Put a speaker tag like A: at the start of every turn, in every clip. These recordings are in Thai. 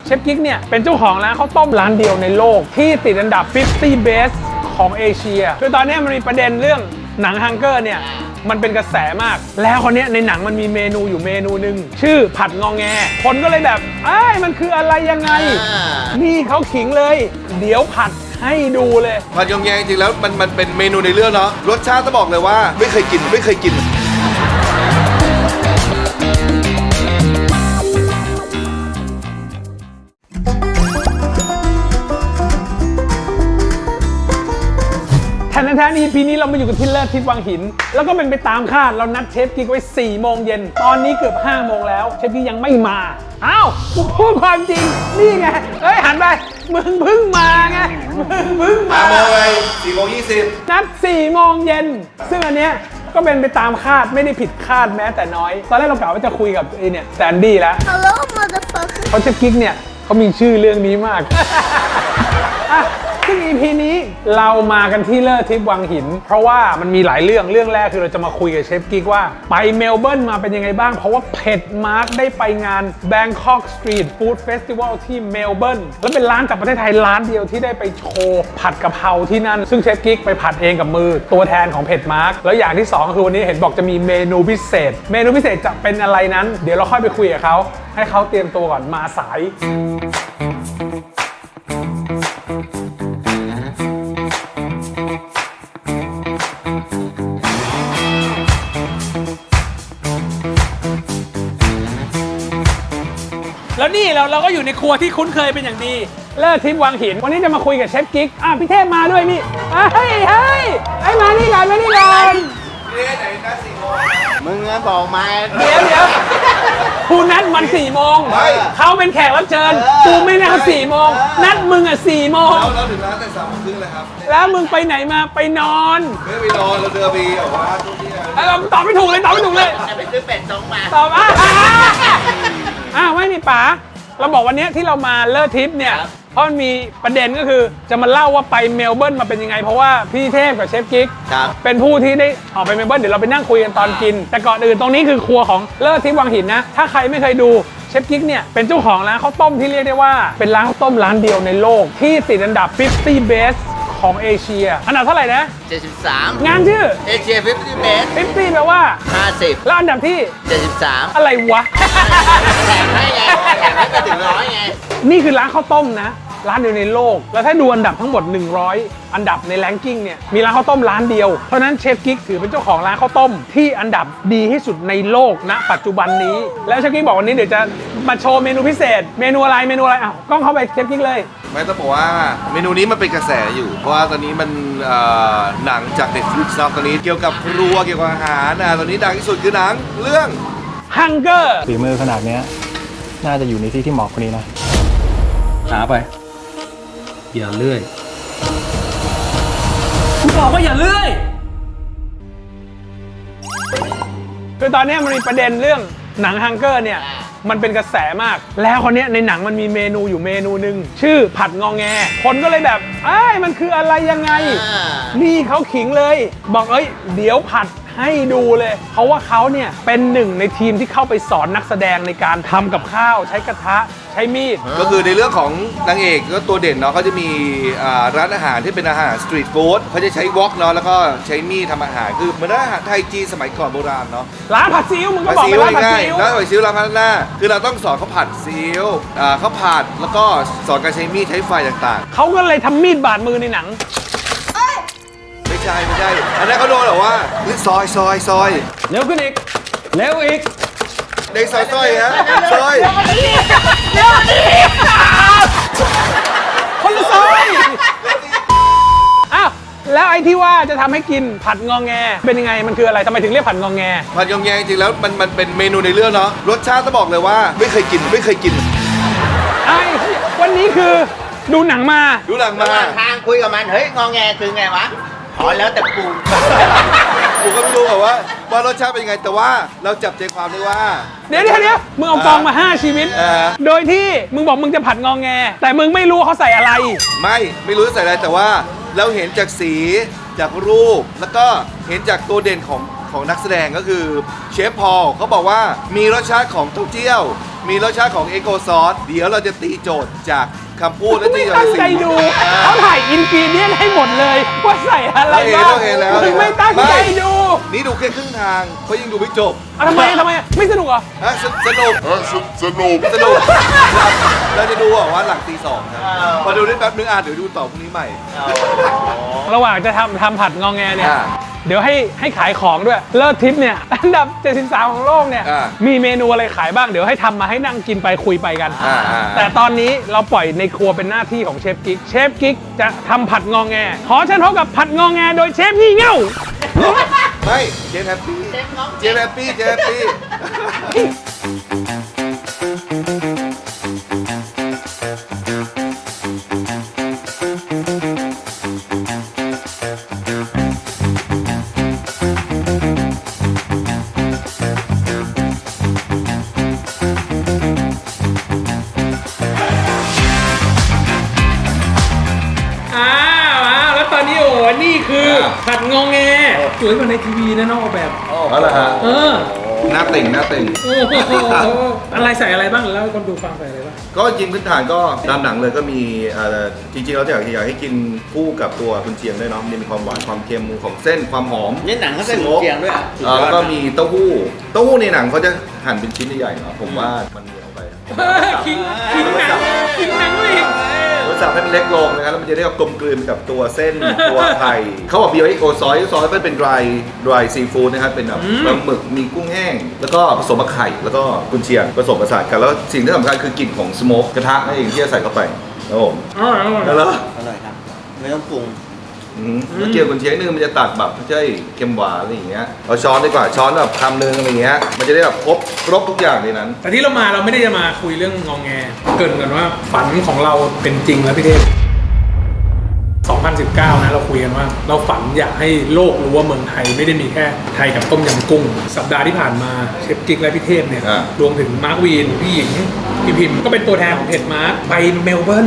A: ชฟกิ๊กเนี่ยเป็นเจ้าของร้านข้าวต้มร้านเดียวในโลกที่ติดอันดับ 50 Best ของเอเชียคือตอนนี้มันมีประเด็นเรื่องหนังฮังเกอร์เนี่ยมันเป็นกระแสมากแล้วคนนี้ในหนังมันมีเมนูอยู่เมนูหนึ่งชื่อผัดงอแงคนก็เลยแบบมันคืออะไรยังไงนี่เขาขิงเลยเดี๋ยวผัดให้ดูเลย
B: ผัดงอแงจริงๆแล้วมันเป็นเมนูในเรื่องเนาะรสชาติต้องบอกเลยว่าไม่เคยกิน
A: แท้ๆ EP นี้เรามาอยู่กันที่เลิศทิพย์วังหินแล้วก็เป็นไปตามคาดเรานัดเชฟกิ๊กไว้4 โมงเย็นตอนนี้เกือบ5 โมงแล้วเชฟกิ๊กยังไม่มาอ้าวกูพูดความจริงนี่ไงหันไปมึงเพิ่งมาไงมึงเพิ่งมา
B: 5 โมงเลย4 โมง 20
A: นัด4 โมงเย็นซึ่งอันเนี้ยก็เป็นไปตามคาดไม่ได้ผิดคาดแม้แต่น้อยตอนแรกเรากะว่าจะคุยกับเนี่ยแซนดี้แล้ว
C: Hello motherfucker
A: เพราะเชฟกิ๊กเนี่ยเขามีชื่อเรื่องนี้มาก ซึ่ง EP นี้เรามากันที่เลิศทิพย์วังหินเพราะว่ามันมีหลายเรื่องแรกคือเราจะมาคุยกับเชฟกิ๊กว่าไปเมลเบิร์นมาเป็นยังไงบ้างเพราะว่าเผ็ดมาร์กได้ไปงาน Bangkok Street Food Festival ที่เมลเบิร์นแล้วเป็นร้านจากประเทศไทยร้านเดียวที่ได้ไปโชว์ผัดกะเพราที่นั่นซึ่งเชฟกิ๊กไปผัดเองกับมือตัวแทนของเผ็ดมาร์กแล้วอย่างที่2คือวันนี้เห็นบอกจะมีเมนูพิเศษจะเป็นอะไรนั้นเดี๋ยวเราค่อยไปคุยกับเขาให้เขาเตรียมตัวก่อนมาสายแล้วนี่เราก็อยู่ในครัวที่คุ้นเคยเป็นอย่างดีเลิศทิพย์วังหินวันนี้จะมาคุยกับเชฟกิ๊กพี่เทพมาด้วยนี่เฮ้ยมานี่ก่อน
B: พี่เทพไหนนัด4 โมง
C: มึงบอกมา
A: เดี๋ยวกูนัดมัน4 โมงเขาเป็นแขกรับเชิญกูไม่นัดเขา4 โมงนัดมึง4 โมง
B: เราถึงร้านแต่3 โมงครึ่งเลยครับ
A: แล้วมึงไปไหนมาไปนอน
B: ไม่ไปนอนเราเดินไปแบบว่าทุกที่
A: เราตอบไม่ถูกเลย
C: จะไปซื้อเป็ดจงมา
A: ตอบไม่มีป๋าเราบอกวันนี้ที่เรามาเลิศทิพย์เนี่ยเพราะมันมีประเด็นก็คือจะมาเล่าว่าไปเมลเบิร์นมาเป็นยังไงเพราะว่าพี่เทพกับเชฟกิ๊กเป็นผู้ที่ได้ออกไปเมลเบิร์นเดี๋ยวเราไปนั่งคุยกันตอนกินแต่ก่อนอื่นตรงนี้คือครัวของเลิศทิพย์วังหินนะถ้าใครไม่เคยดูเชฟกิ๊กเนี่ยเป็นเจ้าของร้านข้าวต้มที่เรียกได้ว่าเป็นร้านข้าวต้มร้านเดียวในโลกที่ติดอันดับ 50 Best ของเอเชียอันดับเท่าไหร่นะ
C: 73
A: งานชื่อ
C: เอเชีย50 Best
A: 50แปลว่า
C: 50
A: แล้วอันดับที่
C: 73
A: อะไรวะ
C: แถมให้ไปถึง100ไง
A: นี่คือร้านข้าวต้มนะร้านเดียวในโลกแล้วถ้าดูอันดับทั้งหมด100อันดับในแรงกิ้งเนี่ยมีร้านข้าวต้มร้านเดียวเพราะนั้นเชฟกิ๊กถือเป็นเจ้าของร้านข้าวต้มที่อันดับดีที่สุดในโลกณปัจจุบันนี้แล้วเชฟกิ๊กบอกวันนี้เดี๋ยวจะมาโชว์เมนูพิเศษเมนูอะไรกล้องเข้าไปเชฟกิ๊กเลย
B: ไม่ต้องบอกว่าเมนูนี้มันเป็นกระแสอยู่เพราะว่าตอนนี้มันหนังจาก Netflix ตอนนี้เกี่ยวกับครัวเกี่ยวกับอาหารตอนนี้ดังที่สุดคือหนังเรื่อง
A: Hunger
D: ฝีมือขนาดนี้น่าจะอยู่ในที่ที่เหมาะคนนี้นะ
E: หาไปอย่าเลื่อยกูบอกว่าอย่าเลื่อย
A: คือตอนนี้มันมีประเด็นเรื่องหนังฮังเกอร์เนี่ยมันเป็นกระแสมากแล้วคนนี้ในหนังมันมีเมนูอยู่เมนูหนึ่งชื่อผัดงอแงคนก็เลยแบบมันคืออะไรยังไงนี่เขาขิงเลยบอกเดี๋ยวผัดให้ดูเลยเพราะว่าเขาเนี่ยเป็นหนึ่งในทีมที่เข้าไปสอนนักแสดงในการทำกับข้าวใช้กระทะใช้มีด
B: ก็คือในเรื่องของนางเอกก็ตัวเด่นเนาะเขาจะมีร้านอาหารที่เป็นอาหารสตรีทฟู้ดเขาจะใช้วอกเนาะแล้วก็ใช้มีดทำอาหารคือเหมือนร้านอาหารไทยจีนสมัยก่อนโบราณเนาะ
A: ร้านผัดซีอิ๊วมึงก็บอกไปร้านผัดซีอิ๊ว
B: ร้านผัดซีอิ๊วร้านพัฒนาคือเราต้องสอนเขาผัดซีอิ๊วเขาผัดแล้วก็สอนการใช้มีดใช้ไฟต่าง
A: ๆเขาก็เลยทำมีดบาดมือในหนัง
B: ไม่ใช่อันนั้นเขาโดนหรอว่าซอย
A: เร็วขึ้นอีกเร็วอีก
B: เด็กซอยฮะซอย
A: คนละซอยแล้วไอ้ที่ว่าจะทำให้กินผัดงอแงเป็นยังไงมันคืออะไรทำไมถึงเรียกผัดงอแง
B: ผัดงอแงจริงแล้วมันเป็นเมนูในเรื่องเนาะรสชาติต้องบอกเลยว่าไม่เคยกิน
A: วันนี้คือดูหนังมา
C: ทางคุยกับมันเฮ้ยงอแงคือไงวะแล้วแต่กู
B: ก็ไม่รู้ว่ารสชาติเป็นยังไงแต่ว่าเราจับใจความได้ว่า
A: เดี๋ยวมึงเอากองมา5ชีวิตโดยที่มึงบอกมึงจะผัดงอแงแต่มึงไม่รู้เขาใส่อะไร
B: ไม่รู้ใส่อะไรแต่ว่าเราเห็นจากสีจากรูปแล้วก็เห็นจากตัวเด่นของนักแสดงก็คือเชฟพอลเขาบอกว่ามีรสชาติของเต้าเจี้ยวมีรสชาติของเอโกซอสเดี๋ยวเราจะตีโจทย์จากคำพูดและ
A: ไม่
B: ตีโจท
A: ตั้ง
B: ย์
A: ใจดูเขาถ่ายอินกรีเดียนให้หมดเลยว่าใส่อะไรบ้าง
B: เห็นแล้ว
A: มึงไม่ตั้งใจดู
B: นี่ดูแค่ครึ่งทางเพราะยังดูไม่จบ
A: ทำไมไม่สนุกเหรอ
B: ฮะสนุกเราจะดูว่าหลังตี 2ครับพอดูได้แป๊บนึงเดี๋ยวดูต่อพรุ่งนี้ใหม่
A: ระหว่างจะทำผัดงอแงเนี่ย
B: อ่า
A: เดี๋ยวให้ขายของด้วยเลิศทิปเนี่ยอันดับ 73 ของโลกเนี่ย
B: อ่า
A: มีเมนูอะไรขายบ้างเดี๋ยวให้ทำมาให้นั่งกินไปคุยไปกัน
B: อ่า
A: แต่ตอนนี้เราปล่อยในครัวเป็นหน้าที่ของเชฟกิ๊กเชฟกิ๊กจะทำผัดงอแงขอเชิญพบกับผัดงอแงโดยเชฟงี่เง่า
B: ไม่เจฟแฮปปี้เจฟแฮปปี้
A: แล้วตอนนี้โอ้นี่คือผัดงอแงสวยกว่าในทีวีนะน้องออกแบบ
B: อ๋อเหรอฮะหน้าติ่ง
A: อะไรใส่อะไรบ้างเล่าให้คนดูฟังใส่อะไรบ้าง
B: ก็จริงพื้นฐานก็ตามหนังเลยก็มีจริงๆเราอยากให้กินคู่กับตัวกุนเชียงด้วยเนาะมีความหวานความเค็มของเส้นความหอม
C: นี่หนังเขาใส่หมูเจียงด้วยอ่ะ
B: แล้วก็มีเต้าหู้ในหนังเขาจะหั่นเป็นชิ้นใหญ่ๆเนาะผมว่ามันเหนียวไป
A: คิงหนังเลย
B: รสชาติให้มันเล็กลงนะครับแล้วมันจะได้กลมกลืนกับตัวเส้นตัวไข่เขาบอกบีโอเอ็กโอซอยเป็น dry seafood นะครับเป็นแบบปลาหมึกมีกุ้งแห้ง แล้วก็ผสมกับไข่แล้วก็กุนเชียงผสมผสานกันแล้วสิ่งที่สำคัญคือกลิ่นของสโมกกระทะนั่นเองที่จะใส่เข้าไปครับผมแล้ว
C: อร่อยครับ ไม่ต้องปรุง
B: แล้วเกี่ยวกุนเชียงนึงมันจะตัดแบบไม่ใช่เค็มหวานอะไรอย่างเงี้ยเอาช้อนดีกว่าช้อนแบบคำนึงอะไรอย่างเงี้ยมันจะได้แบบครบทุกอย่างในนั้น
A: แต่ที่เราไม่ได้จะมาคุยเรื่องงองแงเกรินกันว่าฝันของเราเป็นจริงแล้วพี่เทพ 2019 นะเราคุยกันว่าเราฝันอยากให้โลกรู้ว่าเมืองไทยไม่ได้มีแค่ไทยกับต้มยำกุ้ง สัปดาห์ที่ผ่านมาเชฟกิ๊กและพี่เทพเนี่ยรวมถึงมาร์ควีนพี่หญิงพี่พิมพ์ก็เป็นตัวแทนของเพจมาร์คไปเมลเบิร์น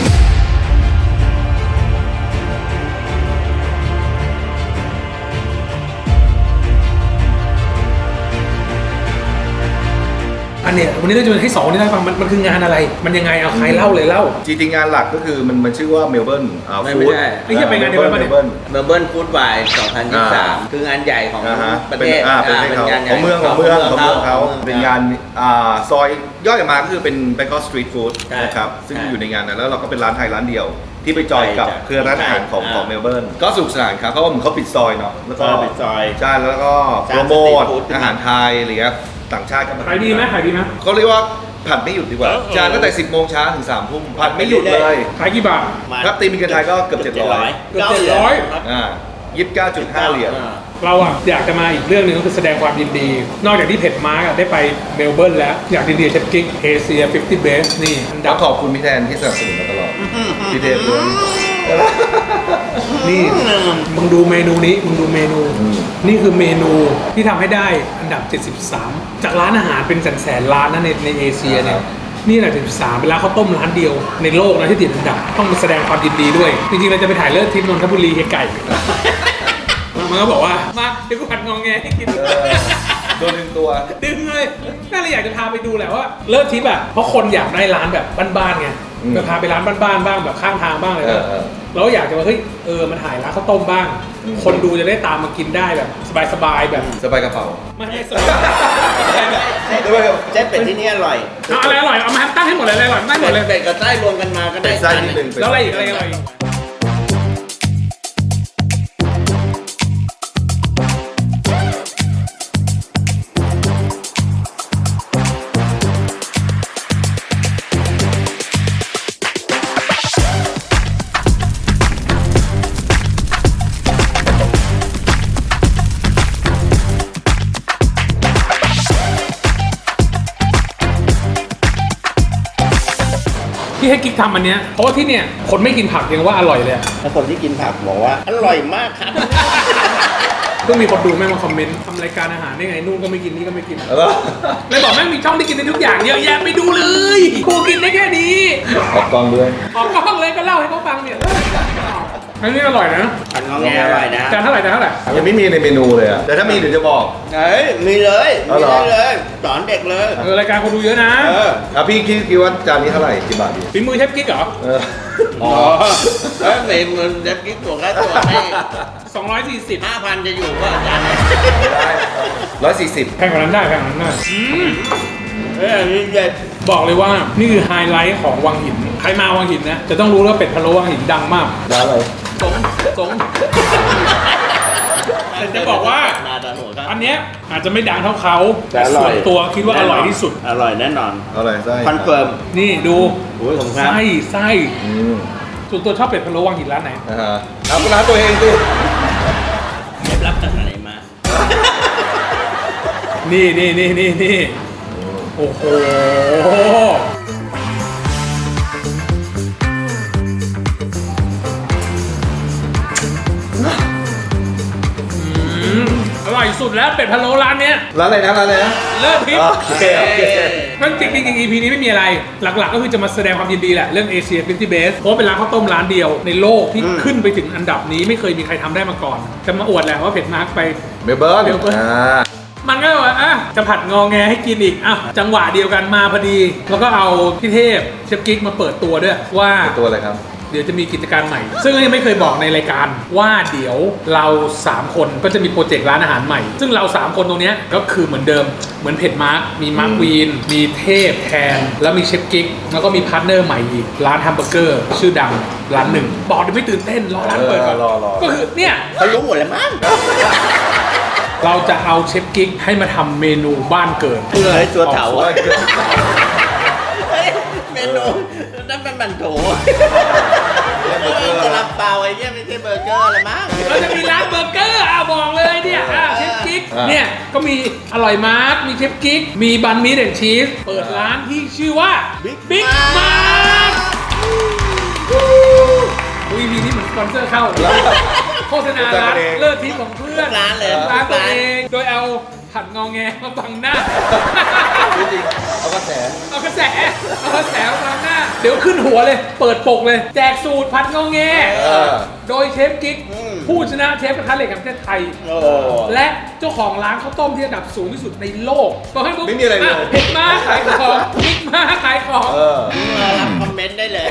A: อันเนี้ยวันนี้เราจะให้สองนี่ได้ฟังมันคืองานอะไรมันยังไงเอาใครเล่าเลยเล่า
B: จริงๆงานหลักก็คือมันชื่อว่าเมลเบิร์น
C: ไม่
B: ฟู้ด
C: ใช่
A: ไม่ใช่ไปงานเดียวกันปะเนี่ย
B: เมลเบิร์น
C: เมลเบิร์นฟู้ดไวน์2023 คืองานใหญ่ของประเทศ
B: เป็นเขา
C: งานใหญ่
B: ของเมืองเขาเป็นงานซอยย่อยออกมาก็คือเป็น Bangkok Street Food นะครับซึ่งอยู่ในงานนั้นแล้วเราก็เป็นร้านไทยร้านเดียว ที่ไปจอยกับเครือร้านอาหารของเมลเบิร์นก็สนุกสนานครับเพราะว่าเหมือนเขาปิดซอยเนาะแล้วก็
C: ปิดซอย
B: ใช่แล้วก็โปรโมทอาหารไทยอะไรเงี้ยต่างชาติก็มา
A: ขายดีไหม
B: เขาเรียกว่าผัดไม่หยุดดีกว่าจานตั้งแต่ 10 โมงเช้าถึง 3 ทุ่มผัดไม่หยุดเลย
A: ขายกี่บาท
B: ครับตีมีกระไทยก็เกือบ700
A: เกือบ
B: 29.5 เหรียญ
A: เราอะอยากจะมาอีกเรื่องหนึ่งก็คือแสดงความยินดี นอกจากที่เพจมาร์กได้ไปเมลเบิร์นแล้วอยากยินดีเชฟกิ๊กเอเชีย50 Best นี่อันดั
B: แล้
A: บ
B: วขอบคุณพี่แทนที่สนับสนุนมาตลอดพี่เทพด้วย
A: นี่มึงดูเมนูนี้มึงดูเมนู นี่คือเมนูที่ทำให้ได้อันดับ 73 จากร้านอาหารเป็นแสนร้านนะในเอเชียเนี่ยนี่แหละ73เป็นร้านข้าวต้มร้านเดียวในโลกนะที่ติดอันดับต้องมาแสดงความยินดีด้วย จริงๆเราจะไปถ่ายเลิศทริปนนทบุรีเฮไก่มันก็บอกว่ามาเดี๋ยวกูผัดงองแงให้กิน
B: โดนดึงตัว
A: ดึงเลยน่าเลยอยากจะพาไปดูแหละว่าเลิศทิปอ่ะเพราะคนอยากได้ร้านแบบบ้านๆไงจะพาไปร้านบ้านๆบ้างแบบข้างทางบ้างเลยก็แล้วอยากจะว่าเฮ้ยมันถ่ายร้านข้าวต้มบ้าง คนดูจะได้ตามมากินได้แบบสบายๆแบบ
B: สบายกระเป๋า
A: ไม่ให้สบาย
C: เส้นเป็ดที่นี่อร่อย
A: เอาอะไรอร่อยเอามาตั้งให้หมดเลยอะไรอร่อยตั้งหมดเลย
C: เป็ดกับไส้รวมกันมาก็ได้
B: เป็นไส้นิดนึง
A: แล้วอะไรอีกอะไรอร่อยอีกที่ให้กิ๊กทำอันเนี้ยเพราะว่าที่เนี่ยคนไม่กินผักยังว่าอร่อยเลย
C: แล้วคนที่กินผักบอกว่าอร่อยมากครับ
A: ก็มีคนดูแม่งมาคอมเมนต์ทำรายการอาหารได้ไงนู่นก็ไม่กินนี่ก็ไม่กิน
B: แล้ว
A: เลยบอกแม่งมีช่องที่กินได้ทุกอย่างเยอะแยะไปดูเลยกูกินได้แค่นี้
B: ออกกองด้วย
A: ออกกล้องเลยก็เล่าให้เขาฟังเนี่ยอันนี้อร่อยนะ
C: ผัดงอแงอร่อยนะ
A: จานเท่าไหร่จานเท่าไหร่
B: ยังไม่มีในเมนูเลยอะแต่ถ้ามีเดี๋ยวจะบอก
C: เฮ้ยมีเลย
B: เอา
C: มี
B: เหรอ
C: ได้เลยสอนเด็กเลย
A: รายการคนดูเยอะนะ
B: พี่คิดว่าจานนี้เท่าไหร่กี่บาทดี
A: ฝีมือเชฟกิ๊กเหรอ
B: อ๋อ
C: เฮ้ยมันเด็กกิ๊กตัวแค่ตัวให้
A: 240
C: 5,000จะอยู่ก็อาจารย์
B: ได้140
A: แพงกว่านั้นได้แพงกว่านั้นได้
C: เฮ้ยอันนี้เด็ด
A: บอกเลยว่านี่คือไฮไลท์ของวังหิน ใครมาวังหินนะจะต้องรู้ว่าเป็ดพะโล้วังหินดังมาก
B: ได้เลย
A: สงแต่จะบอกว่า
C: นาดาหัวครับ
A: อันเนี้ยอาจจะไม่ดังเท่าเขา
C: แต่อร่
A: ส่
C: อ
A: วย นตัวคิดว่าอร่อยที่สุด
C: อร่อยแน่นอน
B: อะไรไส้
C: คอนเฟิร์ม
A: นี่ดู
C: โอ้ยผมครับ
A: ไส้
B: อืม
A: ส่วนตัวชอบเป็ดพะโล้วังหินร้านไหน
B: เอาร้านตัวเองสิ
C: เคล็ดลับจากไหนมา
A: นี่โอ้โหอร่อยสุดแล้วเป็ดพะโล้ร้านเนี้ย
B: ร้านอะไรนะร้านอะไรนะ
A: เลิศพิษ
B: โอเค
A: นั่นจริงๆ EP นี้ไม่มีอะไร หลักๆ ก็คือจะมาแสดงความยินดีแหละ เรื่องเอเชีย50 Best เพราะว่าเป็นร้านข้าวต้มร้านเดียวในโลกที่ขึ้นไปถึงอันดับนี้ไม่เคยมีใครทำได้มาก่อน จะมาอวดแหละว่าเผ็ดมาร์กไป
B: เมลเบิร์น
A: เมลเบิร์น มันก็ว่าจะผัดงอแงให้กินอีกจังหวะเดียวกันมาพอดี แล้วก็เอาพี่เทพเชฟกิ๊กมาเปิดตัวด้วยว่า
B: ตัวอะไรครับ
A: เดี๋ยวจะมีกิจการใหม่ ซึ่งยังไม่เคยบอกในรายการว่าเดี๋ยวเรา 3 คนก็จะมีโปรเจกต์ร้านอาหารใหม่ ซึ่งเรา 3 คนตรงเนี้ยก็คือเหมือนเดิมเหมือนเผ็ดมาร์กมีมาร์กวีนมีเทพแทน แล้วมีเชฟกิ๊กแล้วก็มีพาร์ทเนอร์ใหม่อีกร้านแฮมเบอร์เกอร์ชื่อดังร้านหนึ่งบอกเดี๋ยวไม่ตื่นเต้นรอร้านเปิดก่อน
B: รอ
A: ก็คือเนี่ย
C: เขารู้หมดแล้วมั้ง
A: เราจะเอาเชฟกิ๊กให้มาทำเมนูบ้านเกิดเพื่อ
C: เฮ้ยตัวเถา
A: ออก
C: อะเฮ้ยเมนูนั่นเป็นบันโถซาลาเปาไอ้เนี่ยไม่ใช่เบอร์เกอร์ละมั้ง
A: เราจะมีร้านเบอร์เกอร์บอกเลยเนี่ยเชฟกิ๊กเนี่ยก็มีอร่อยมาร์กมีเชฟกิ๊กมีบันมีเดนชีสเปิดร้านที่ชื่อว่าบิ๊กมาร์กวีพีนี้เหมือนสปอนเซอร์เข้าโฆษณาร้านเลิศทิปของเพื่อน
C: ร้านเลย
A: ร้านตัวเองโดยเอาผัดงอแงมาบังหน้า
B: จริงๆเอากระแส
A: เอากระแสมาบังหน้าเดี๋ยวขึ้นหัวเลยเปิดปกเลยแจกสูตรผัดงอแงโดยเชฟกิ๊กผู้ชนะเชฟกระทะเหล็กแห่งประเทศไทย
C: โอ้
A: และเจ้าของร้านข้าวต้มที่อันดับสูงที่สุดในโลกบอกให้ปุ๊บ
B: ไม่มีอะไรเลย
A: เผ็ดมากขายของบิ๊กมากขายของ
C: รับคอมเมนต์ได้เลย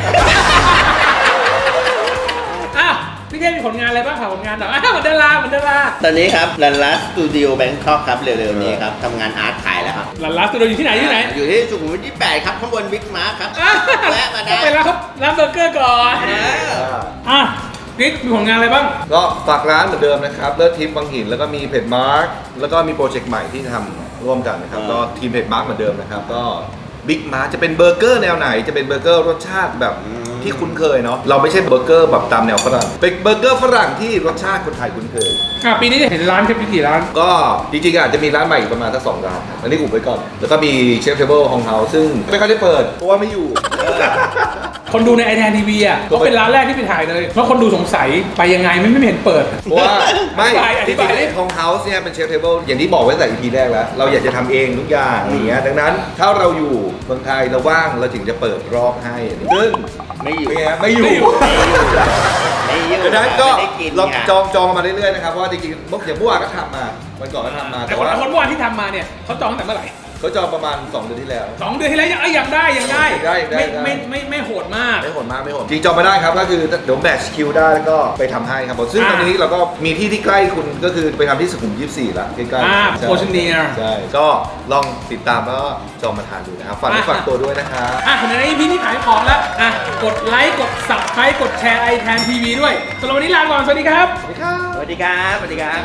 A: อ้าวพี่เทพมีผลงานอะไรบ้างค่ะผลงานแบบเหมือนดาราเหมือนดารา
C: ตอนนี้ครับรันลัสสตูดิโอแบงคอกครับเร็วๆนี้ครับทำงานอาร์ตขายแล้วครับ
A: หลานร้านสตูดิโออยู่ที่ไหนที่ไหน
C: อยู่ที่สุขุมวิท28ครับข้างบนบิ๊กมาร์ครับแวะมาได้
A: ไปแล้วครับร้านเบอร์เกอร์ก่อนอ่ะกิ๊กมีผลงานอะไรบ้าง
B: ก็ฝากร้านเหมือนเดิมนะครับเลิศทิพย์วังหินแล้วก็มีเพจมาร์กแล้วก็มีโปรเจกต์ใหม่ที่ทำร่วมกันนะครับก็ทีมเพจมาร์กเหมือนเดิมนะครับก็บิ๊กมาร์จะเป็นเบอร์เกอร์แนวไหนจะเป็นเบอร์เกอร์รสชาติแบบที่คุ้นเคยเนาะเราไม่ใช่เบอร์เกอร์แบบตามแนวฝรั่งเป็นเบอร์เกอร์ฝรั่งที่รสชาติคนไทยคุ้นเคย
A: ปีนี้จะเห็นร้านเชฟกี่ร้าน
B: ก็จริงๆอาจจะมีร้านใหม่อีกประมาณสัก2 ร้านครับอันนี้อุบไว้ก่อน แล้วก็มีเชฟเทเบิลของเฮาซึ่งไม่ค่อยได้เปิดเพราะว่าไม่อยู่
A: คนดูในไอแทนทีวีอ่ะก็เป็นร้านแรกที่ไปถ่ายเลยเพราะคนดูสงสัยไปยังไงไม่เห็นเปิด
B: เพราะว่าไม่
A: อ
B: จ
A: ธิ
B: ริง
A: บาย
B: ๆไอ้ของเฮาส์เนี่ยเป็นเชฟเทเบิลอย่างที่บอกไว้ตั้งแต่ EP แรกแล้ว เราอยากจะทำเองทุกอย่างอย่างเงี้ยดังนั้นถ้าเราอยู่เมืองไทยเราว่างเราถึงจะเปิดรอบให้ซึ่ง
C: ไม่อยู่
B: เป็นไงไม่อยู่
C: ไม่อยู่
B: ดังนั้นก็
C: ไม่ได้กิน
B: ลอง
C: ไง
B: จองมาเรื่อยๆนะครับเพราะว่าจริงๆอย่างเมื่อวานก็ทำมาวันก่อนก็ทำมา
A: แต่
B: แต่
A: คน
B: ว่า
A: เมื่อวานที่ทำมาเนี่ยเขาจองตั้งแต่เมื่อไหร่
B: เขาจองประมาณ2 เดือนที่แล้ว
A: 2 เดือนที่แล้วยังได้
B: ได้
A: ไม่โหดมาก
B: ไม่โหดมากไม่โหดจริงจองไม่ได้ครับก็คือเดี๋ยวแมทช์คิวได้แล้วก็ไปทำให้ครับผมซึ่งตอนนี้เราก็มีที่ใกล้คุณก็คือไปทำที่สุขุมวิท24ละใกล้ๆใช่
A: โพชเนีย
B: ใช่ก็ลองติดตามแล้วก็จองมาทานดูนะครับฝากฝากตัวด้วยนะครับ
A: ใน EP นี้ขายของแล้วกดไลค์กด Subscribe กดแชร์ไอแทนทีวีด้วยสำหรับวันนี้ลาก่อนสวัสดีครับ
C: สวัสดีครับสวัสดีครับ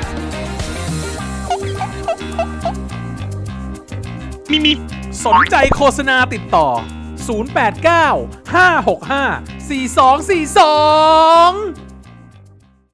A: สนใจโฆษณาติดต่อ 089 565 4242